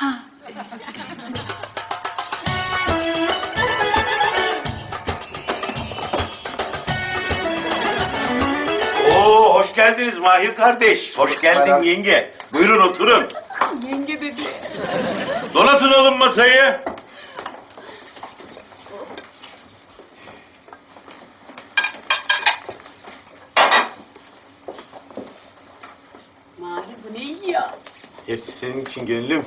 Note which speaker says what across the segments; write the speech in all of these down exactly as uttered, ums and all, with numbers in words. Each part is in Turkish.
Speaker 1: Oo, hoş geldiniz Mahir kardeş. Hoş geldin yenge. Buyurun oturun.
Speaker 2: Yenge dedi.
Speaker 1: Donatın oğlum masayı.
Speaker 2: Mahir bu ne iyi ya?
Speaker 1: Hepsi senin için gönlüm.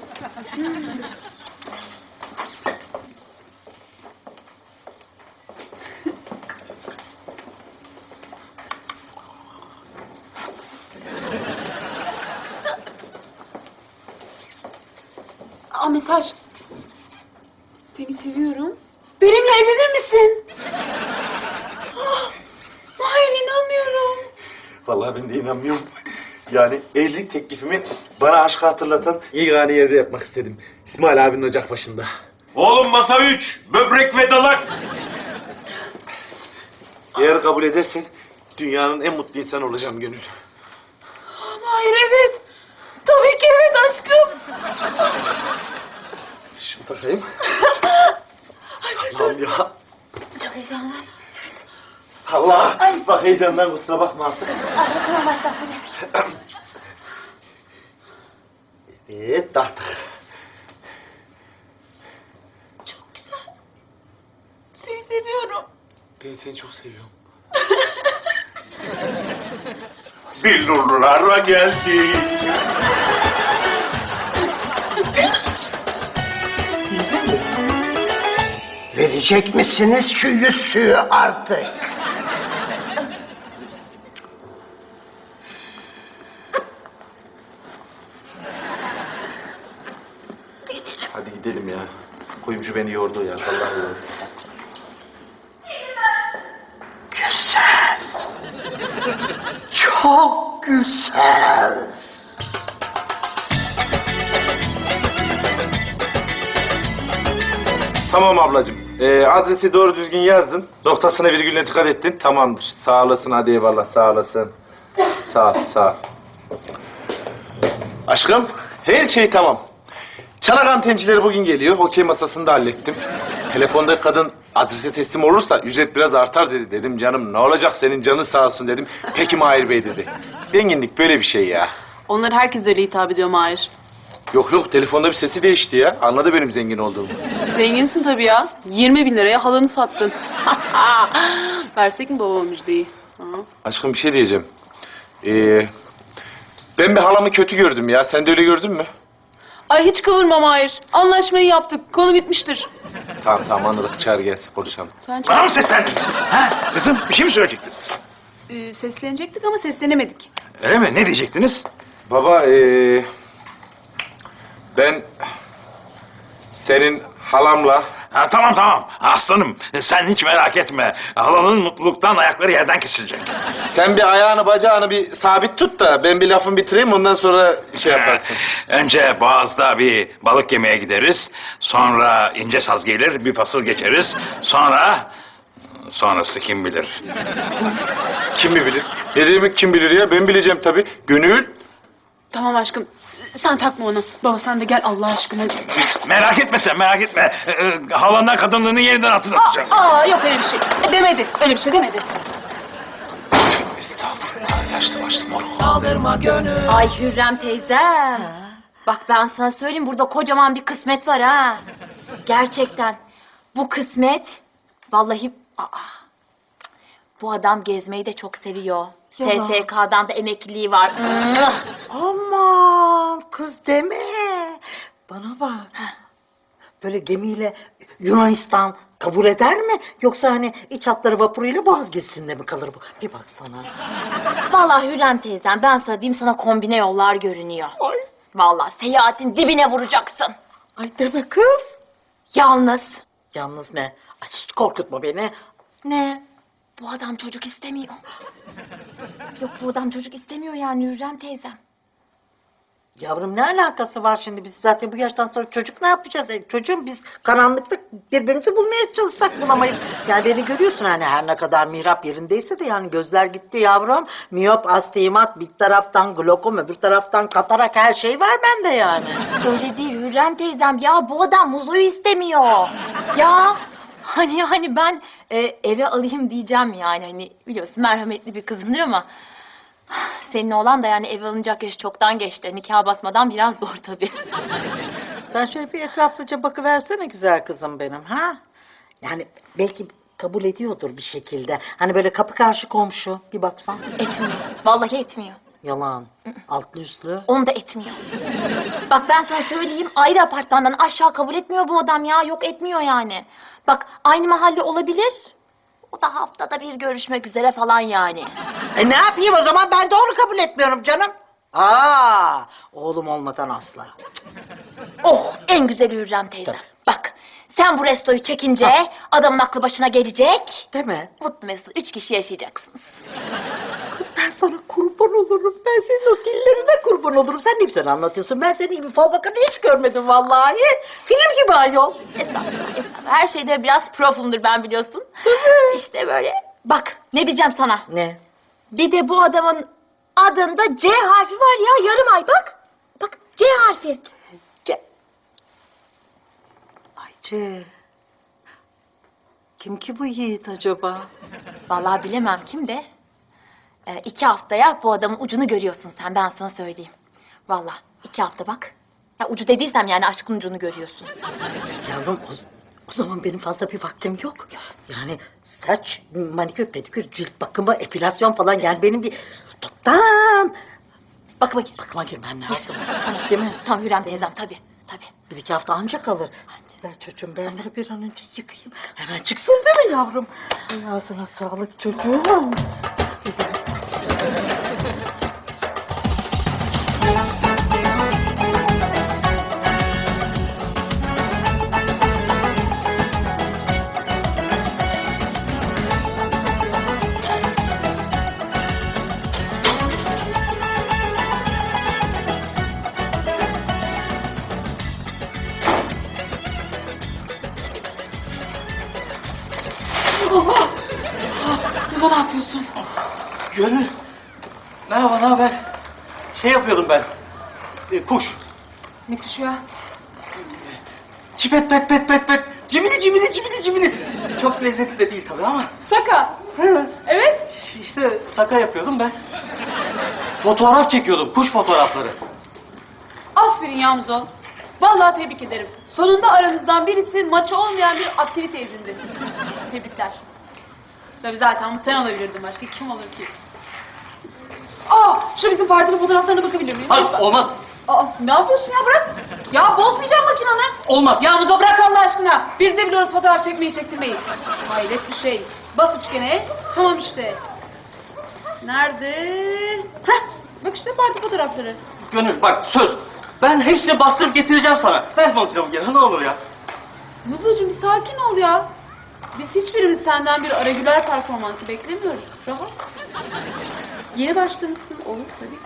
Speaker 2: Aa mesaj. Seni seviyorum. Benimle evlenir misin? Ah, Mahir inanmıyorum.
Speaker 1: Vallahi ben de inanmıyorum. Yani evlilik teklifimi bana aşkı hatırlatan yegane yerde yapmak istedim. İsmail abinin ocak başında. Oğlum masa üç, böbrek ve dalak. Eğer kabul edersen dünyanın en mutlu insanı olacağım Gönül.
Speaker 2: Mahir evet. Tabii ki evet aşkım.
Speaker 1: Şunu takayım. Allah'ım ya.
Speaker 2: Çok heyecanlı.
Speaker 1: Allah. Bak heyecandan kusura bakma artık.
Speaker 2: Ay, tamam başla hadi.
Speaker 1: Evet taktık.
Speaker 2: Çok güzel. Seni seviyorum.
Speaker 1: Ben seni çok seviyorum. Billurlara geldi.
Speaker 3: Verecek misiniz şu yüzüğü artık?
Speaker 1: Hadi gidelim ya. Kuyumcu beni yordu ya. Vallahi yordu.
Speaker 3: Güzel. Çok güzel.
Speaker 1: Tamam ablacığım. Ee, adresi doğru düzgün yazdın. Noktasına virgülüne dikkat ettin. Tamamdır. Sağ olasın. Hadi eyvallah. Sağ olasın. Sağ ol. Sağ ol. Aşkım her şey tamam. Çanak antencileri bugün geliyor. Okey masasını da hallettim. Telefonda kadın adrese teslim olursa ücret biraz artar dedi. Dedim canım ne olacak senin canın sağ olsun dedim. Peki Mahir Bey dedi. Zenginlik böyle bir şey ya.
Speaker 2: Onlar herkes öyle hitap ediyor Mahir.
Speaker 1: Yok yok telefonda bir sesi değişti ya. Anladı benim zengin olduğumu.
Speaker 2: Zenginsin tabii ya. yirmi bin liraya halanı sattın. Versek mi babama müjdeyi? Ha?
Speaker 1: Aşkım bir şey diyeceğim. Ee, ben bir halamı kötü gördüm ya. Sen de öyle gördün mü?
Speaker 2: Ay hiç kıvırma Mahir. Anlaşmayı yaptık. Konu bitmiştir.
Speaker 1: Tamam tamam anladık. Çağır gelsin konuşalım.
Speaker 2: Sen
Speaker 4: Bana mı
Speaker 2: çağır.
Speaker 4: seslendiniz? Ha? Kızım bir şey mi söyleyecektiniz?
Speaker 2: Ee, seslenecektik ama seslenemedik.
Speaker 4: Öyle mi? Ne diyecektiniz?
Speaker 1: Baba ee, ben senin halamla
Speaker 4: Ha, tamam tamam. Aslanım sen hiç merak etme. Halanın mutluluktan ayakları yerden kesilecek.
Speaker 1: sen bir ayağını bacağını bir sabit tut da ben bir lafımı bitireyim ondan sonra şey yaparsın.
Speaker 4: Önce Boğaz'da bir balık yemeye gideriz. Sonra ince saz gelir, bir fasıl geçeriz. Sonra... Sonrası kim bilir.
Speaker 1: Kim mi bilir? Ne demek kim bilir ya? Ben bileceğim tabii. Gönül.
Speaker 2: Tamam aşkım. Sen takma onu. Baba sen de gel Allah aşkına.
Speaker 4: Merak etme sen, merak etme. Ee, e, halandan kadınlığını yeniden hatırlatacağım.
Speaker 2: Aa yok öyle bir şey. E, demedi. Öyle bir şey demedi.
Speaker 1: Estağfurullah. Yaşlı başlı moruk.
Speaker 5: Ay Hürrem teyzem. Bak ben sana söyleyeyim burada kocaman bir kısmet var ha. Gerçekten. Bu kısmet vallahi... Aa, bu adam gezmeyi de çok seviyor. S S K'dan da emekliliği var.
Speaker 3: Aman kız deme. Bana bak. Böyle gemiyle Yunanistan kabul eder mi? Yoksa hani iç hatları vapuruyla Boğaz gezisinde mi kalır bu? Bir baksana.
Speaker 5: Vallahi Hürrem teyzem ben sana diyeyim sana kombine yollar görünüyor.
Speaker 3: Ay.
Speaker 5: Vallahi seyahatin dibine vuracaksın.
Speaker 3: Ay deme kız.
Speaker 5: Yalnız
Speaker 3: Yalnız ne? Ay sus korkutma beni. Ne?
Speaker 5: bu adam çocuk istemiyor. Yok bu adam çocuk istemiyor yani Hürrem teyzem.
Speaker 3: Yavrum ne alakası var şimdi? Biz zaten bu yaştan sonra çocuk ne yapacağız? E, çocuğum biz karanlıkta birbirimizi bulmaya çalışsak bulamayız. Yani beni görüyorsun hani her ne kadar mihrap yerindeyse de yani gözler gitti yavrum. Miyop, astigmat bir taraftan glokom öbür taraftan katarak her şey var bende yani.
Speaker 5: Öyle değil Hürrem Hürrem teyzem ya bu adam Muzo'yu istemiyor. Ya hani hani ben e, eve alayım diyeceğim yani hani biliyorsun merhametli bir kızımdır ama senin oğlan da yani eve alınacak yaş çoktan geçti. Nikah basmadan biraz zor tabii.
Speaker 3: Sen şöyle bir etraflıca bakıversene güzel kızım benim ha. Yani belki kabul ediyordur bir şekilde. Hani böyle kapı karşı komşu bir baksan.
Speaker 5: Etmiyor. Vallahi etmiyor.
Speaker 3: Yalan. Altlı üstlü.
Speaker 5: Onu da etmiyor. Bak ben sana söyleyeyim ayrı apartmandan aşağı kabul etmiyor bu adam ya. Yok etmiyor yani. Bak aynı mahalle olabilir. O da haftada bir görüşmek üzere falan yani.
Speaker 3: E ne yapayım o zaman ben de onu kabul etmiyorum canım. Aa, oğlum olmadan asla.
Speaker 5: Oh en güzeli Hürrem teyze. Bak sen bu restoyu çekince adamın aklı başına gelecek.
Speaker 3: Değil mi?
Speaker 5: Mutlu mesut üç kişi yaşayacaksınız.
Speaker 3: Kız ben sana kurban olurum. Ben senin o dillerine kurban olurum. Sen ne güzel anlatıyorsun. Ben senin gibi fal bakanı hiç görmedim vallahi. Film gibi ayol.
Speaker 5: Estağfurullah, estağfurullah. Her şeyde biraz profumdur ben biliyorsun. Tabii. İşte böyle. Bak ne diyeceğim sana.
Speaker 3: Ne?
Speaker 5: Bir de bu adamın adında C harfi var ya yarım ay bak. Bak C harfi.
Speaker 3: Ge- Ayşe. Kim ki bu yiğit acaba?
Speaker 5: Vallahi bilemem kim de. Ee, iki haftaya bu adamın ucunu görüyorsun sen ben sana söyleyeyim. Vallahi iki hafta bak. Ya ucu dediysem yani aşkın ucunu görüyorsun.
Speaker 3: Yavrum o, o zaman benim fazla bir vaktim yok. Yani saç, manikür, pedikür, cilt bakımı, epilasyon falan yani benim bir toptan
Speaker 5: Bakıma gir.
Speaker 3: bakıma girmem lazım. Değil mi?
Speaker 5: Tam Hürrem teyzem tabii tabii.
Speaker 3: Bir iki hafta ancak kalır. Ver çocuğum ben bunu bir an önce yıkayayım. Hemen çıksın değil mi yavrum? Ay, ağzına sağlık çocuğum.
Speaker 2: Muzo ne yapıyorsun?
Speaker 6: Gönül. Merhaba, ne haber? Şey yapıyordum ben. E, kuş.
Speaker 2: Ne kuşu ya?
Speaker 6: Çipet pet pet pet pet. Cimili cimili cimili cimili. Çok lezzetli de değil tabii ama.
Speaker 2: Saka.
Speaker 6: He.
Speaker 2: Evet.
Speaker 6: İşte saka yapıyordum ben. Fotoğraf çekiyordum, kuş fotoğrafları.
Speaker 2: Aferin ya Muzo. Vallahi tebrik ederim. Sonunda aranızdan birisi maçı olmayan bir aktivite edindi. Tebrikler. Tabii zaten bu sen olabilirdin. Başka kim olur ki? Aa, şu bizim partinin fotoğraflarına bakabilir miyim?
Speaker 6: Hayır,
Speaker 2: Lütfen.
Speaker 6: olmaz.
Speaker 2: Aa, ne yapıyorsun ya bırak. Ya bozmayacağım makinanı.
Speaker 6: Olmaz.
Speaker 2: Ya Muzo bırak Allah aşkına. Biz de biliyoruz fotoğraf çekmeyi çektirmeyi. Hayret bir şey. Bas üçgene. Tamam işte. Nerede? Heh, bak işte parti fotoğrafları.
Speaker 6: Gönül bak söz. Ben hepsini bastırıp getireceğim sana. Ver makinamı geri, ne olur ya.
Speaker 2: Muzocuğum bir sakin ol ya. Biz hiçbirimiz senden bir Aragüler performansı beklemiyoruz. Rahat. Yeni başlamışsın. Olur tabii.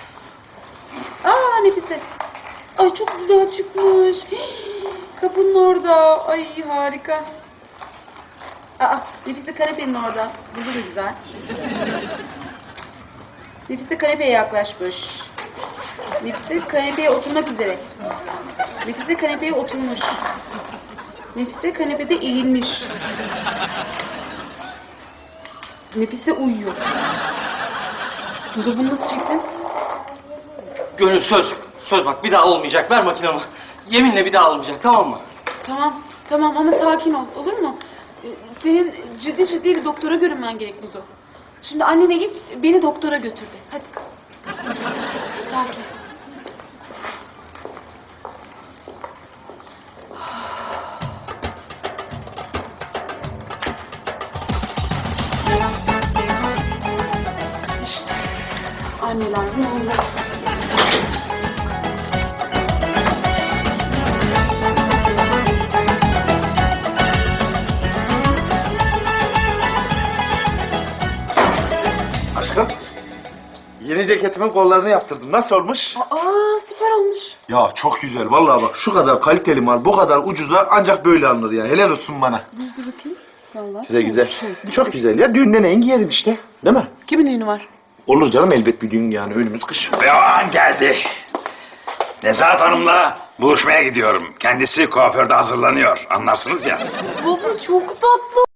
Speaker 2: Aa Nefise. Ay çok güzel çıkmış. Hii, kapının orada. Ay harika. Aa Nefise kanepenin orada. Burada da güzel. Nefise kanepeye yaklaşmış. Nefise kanepeye oturmak üzere. Nefise kanepeye oturmuş. Nefise kanepede eğilmiş. Nefise uyuyor. Muzo bunu nasıl çektin?
Speaker 6: Gönül söz. Söz bak bir daha olmayacak. Ver makinamı. Yeminle bir daha olmayacak, tamam mı?
Speaker 2: Tamam, tamam ama sakin ol, olur mu? Ee, Senin ciddi ciddi bir doktora görünmen gerek Muzo. Şimdi annene git, beni doktora götür de. Hadi. Sakin. İşte anneler bu.
Speaker 1: Aşkım. Yeni ceketimin kollarını yaptırdım. Nasıl olmuş?
Speaker 2: Aa süper olmuş.
Speaker 1: Ya çok güzel. Vallahi bak şu kadar kaliteli mal bu kadar ucuza ancak böyle alınır yani. Helal olsun bana.
Speaker 2: Düz dur bakayım. Vallahi.
Speaker 1: Güzel güzel. Çok güzel ya. Düğünde neyin giyerim işte. Değil mi?
Speaker 2: Kimin düğünü var?
Speaker 1: Olur canım elbet bir düğün yani. Önümüz kış.
Speaker 4: Ve o an geldi. Nezahat Hanım'la buluşmaya gidiyorum. Kendisi kuaförde hazırlanıyor. Anlarsınız ya.
Speaker 5: Baba çok tatlı